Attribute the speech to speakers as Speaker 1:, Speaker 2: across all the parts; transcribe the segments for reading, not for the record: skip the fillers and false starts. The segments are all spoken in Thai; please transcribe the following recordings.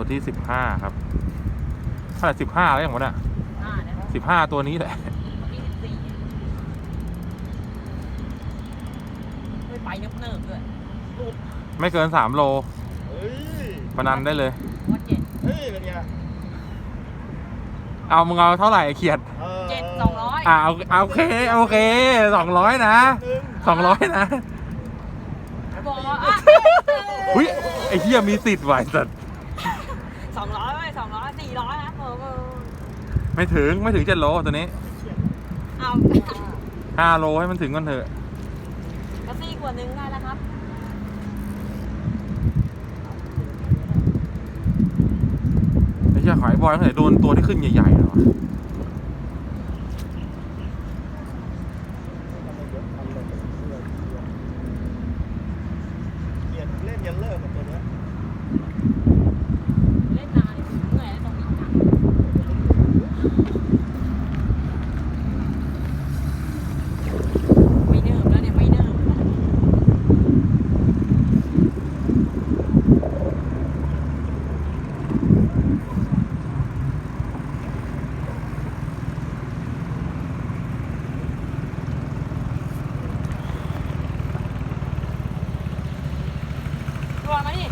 Speaker 1: ที่15ครับเท่าไหร่15แล้วอย่างวะเนี่ย15ตัวนี้แหละ
Speaker 2: ไม่ไปเนิบๆด้วย
Speaker 1: ไม่เกิน3 โลพนันได้เลย
Speaker 2: วัน7
Speaker 3: เฮ้ยเป็นไง
Speaker 1: เอามึงเอาเท่าไหร่เขียด
Speaker 2: 7 200
Speaker 1: โอเค200นะ200นะ
Speaker 2: บอกว่า
Speaker 1: อุ้ยไอ้เหี้ยมีสิทธิ์ไหวสัตว์
Speaker 2: 200ไม่200 400นะ
Speaker 1: ไม่ถึง7 โลตัวนี้
Speaker 2: เอา
Speaker 1: 5 โลให้มันถึงก่อนเถอะ
Speaker 2: กระซี่ขวดนึงได้แล้วครับ
Speaker 1: ไอ้เหี้ยขายบอยเท่าไหร่โดนตัวที่ขึ้นใหญ่ๆเหรอ
Speaker 3: เล่นยันเลิกกับตัวนี้
Speaker 2: เล่นนานเหนื่อยแล้วตรงนี้นะไม่เนิบแล้วเนี่ยไม่เนิบตัวมาดิ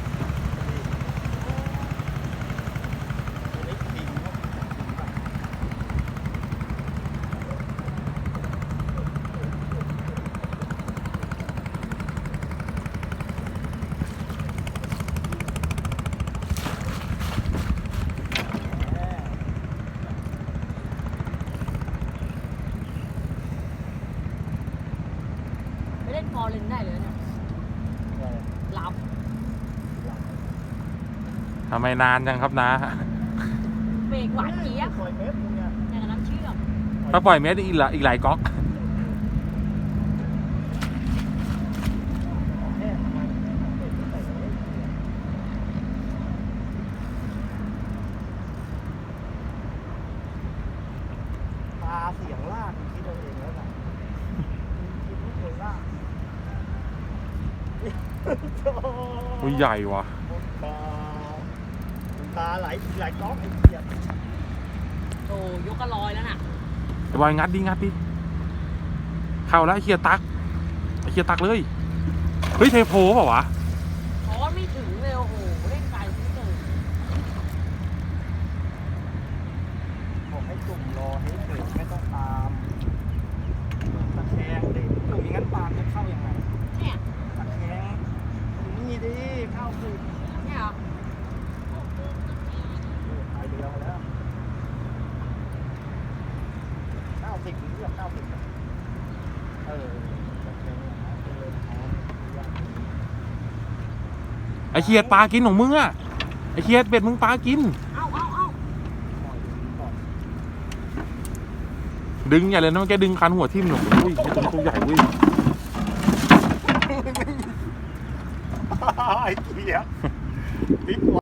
Speaker 2: ไม่เล่นฟอร์เรนได้เลยเนี่ยหลับ
Speaker 1: ทำไมนานจังครับนะ
Speaker 2: เบรกหวานเจี๊ยบ
Speaker 3: ปล่อยเม็ดมึงเนี่ย
Speaker 2: อย่างกับน้ำเชื่อม
Speaker 1: ถ้าปล่อยเม็ดอีกหลายก๊อก
Speaker 3: ตาเสียงลากคิดเอาเองแล้วกันคิดไม่เคยลาก
Speaker 1: อุ้ยใหญ่ว่ะ
Speaker 3: ตาหลายก๊อกไอ้เหี้ย
Speaker 2: โอ้ยกกระลอยแล้วน่ะ
Speaker 1: ไอ้บอยงัดดิเข้าแล้วไอ้เคียตักเลยเฮ้ยเทโพเปล่าวะ
Speaker 2: ช้อนไม่ถึงเลยโอ้โหเล่นไกลที่สุด
Speaker 3: บอกให้จุ่มรอให้เฉยไม่ต้องตามตะแคงดิจุ่มอย่างนั้นปลาจะเข้ายังไง
Speaker 2: เนี่ย
Speaker 3: ตะแคงนี่ดิเข้าสิ
Speaker 2: เนี่ยเหรอ
Speaker 3: ตายเดียวแล้ว90ถึงเรียก90
Speaker 1: ไอ้เคียดปลากินของมึงอะไอ้เคียดเบ็ดมึงปลากินดึงใหญ่เลยนะมันแกดึงคันหัวทิ่มหนูอุ้ยตัวใหญ่เว้ย
Speaker 3: ไอ้เหี้ย